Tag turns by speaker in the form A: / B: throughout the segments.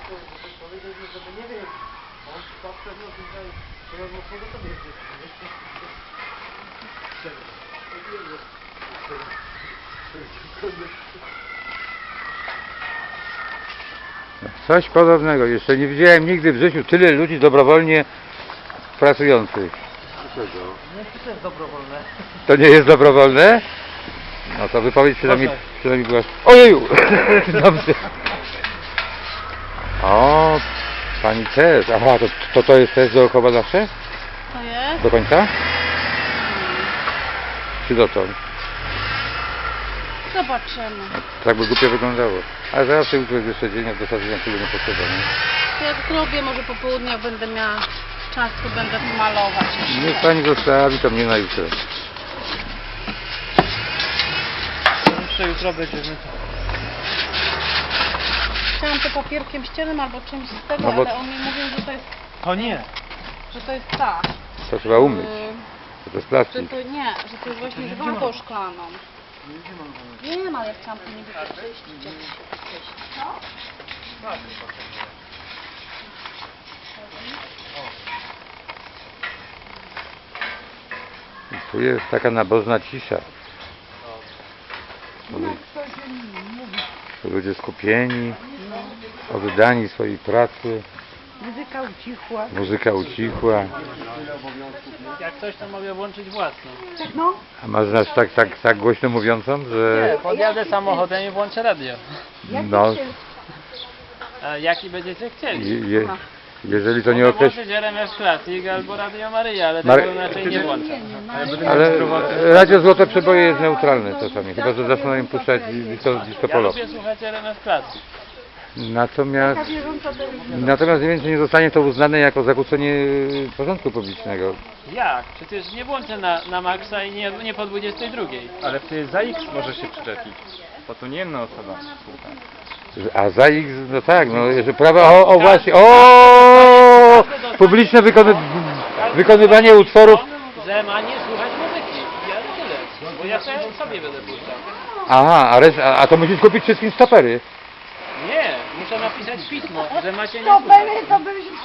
A: Powiedzieliśmy, żeby nie wiem. On tak pewno tutaj rozmocnego to nie jest.
B: Coś podobnego. Jeszcze nie widziałem nigdy w życiu tyle ludzi dobrowolnie pracujących.
A: Nie, to jest dobrowolne.
B: To nie jest dobrowolne? No to wypowiedź przynajmniej była... Ojeju! Dobrze. O, pani też. Aha, to jest też dookoła zawsze?
C: To jest?
B: Do końca? Czy dotąd?
C: Zobaczymy.
B: Tak by głupio wyglądało. Ale zawsze jutro jest jeszcze dzień, od dosadzenia tyle nie potrzeba, nie?
C: Jak zrobię, może po południu, jak będę miała czas, to będę malować.
B: Niech pani zostawi to mnie na jutro.
A: Jeszcze jutro będziemy.
C: Chciałam to papierkiem ściernym albo czymś z tego,
B: No bo-
C: ale oni mówią,
A: O nie!
C: że to jest ta.
B: To trzeba umyć. To jest
C: Że
B: plastik.
C: to nie, że to jest właśnie z watą szklaną. Wiem, ale ja chciałam to niby wyczyścić. Co?
B: Tu jest taka nabożna cisza. Ludzie skupieni, oddani swojej pracy.
D: Muzyka ucichła.
B: Muzyka ucichła.
A: Jak coś, to mogę włączyć własną.
D: No,
B: A masz nas tak głośno mówiącą, że...
A: Podjadę samochodem i włączę radio.
B: No,
A: A jaki będziecie chcieli?
B: jeżeli to nie
A: Mogę
B: określi...
A: włączyć RMF Classic albo Radio Maryja, ale
B: Mary-
A: tego raczej nie włączam.
B: Ale Radio Złote Przeboje jest neutralne czasami, chyba że zaczną im puszczać disco
A: Ja
B: polo.
A: lubię słuchać RMF Classic.
B: Natomiast nie wiem, czy nie zostanie to uznane jako zakłócenie porządku publicznego.
A: Jak? Przecież nie włączę na maksa i nie po 22.
E: Ale ty za X może się przyczepić, bo to nie jedna osoba słucha.
B: A za ich, no tak, no, że prawa, o właśnie, o publiczne wykonywanie utworów.
A: Że ma nie słuchać muzyki. Ja tyle. Bo ja sobie będę puszczał.
B: Aha, a to musisz kupić wszystkim stopery.
A: Nie, muszę napisać pismo, że macie nie słuchać.
D: to by się...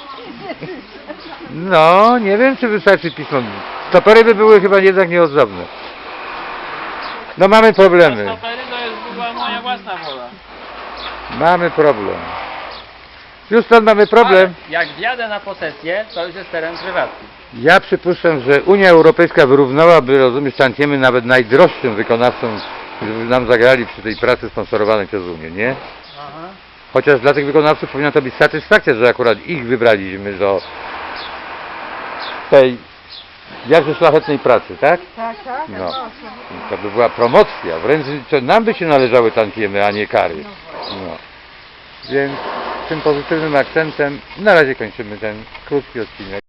B: No, nie wiem, czy wystarczy pismo. Stopery by były chyba jednak nieodzowne. No mamy problemy.
A: Stopery to jest była moja własna wola.
B: Mamy problem. Już stąd mamy problem.
A: Ale jak wjadę na posesję, to już jest teren prywatny.
B: Ja przypuszczam, że Unia Europejska wyrównałaby, rozumiesz, tantiemy nawet najdroższym wykonawcom, którzy nam zagrali przy tej pracy sponsorowanej przez Unię, nie?
A: Aha.
B: Chociaż dla tych wykonawców powinna to być satysfakcja, że akurat ich wybraliśmy do tej jakże szlachetnej pracy, tak?
D: Tak, tak.
B: No. To by była promocja, wręcz to nam by się należały tantiemy, a nie kary. No. Więc tym pozytywnym akcentem na razie kończymy ten krótki odcinek.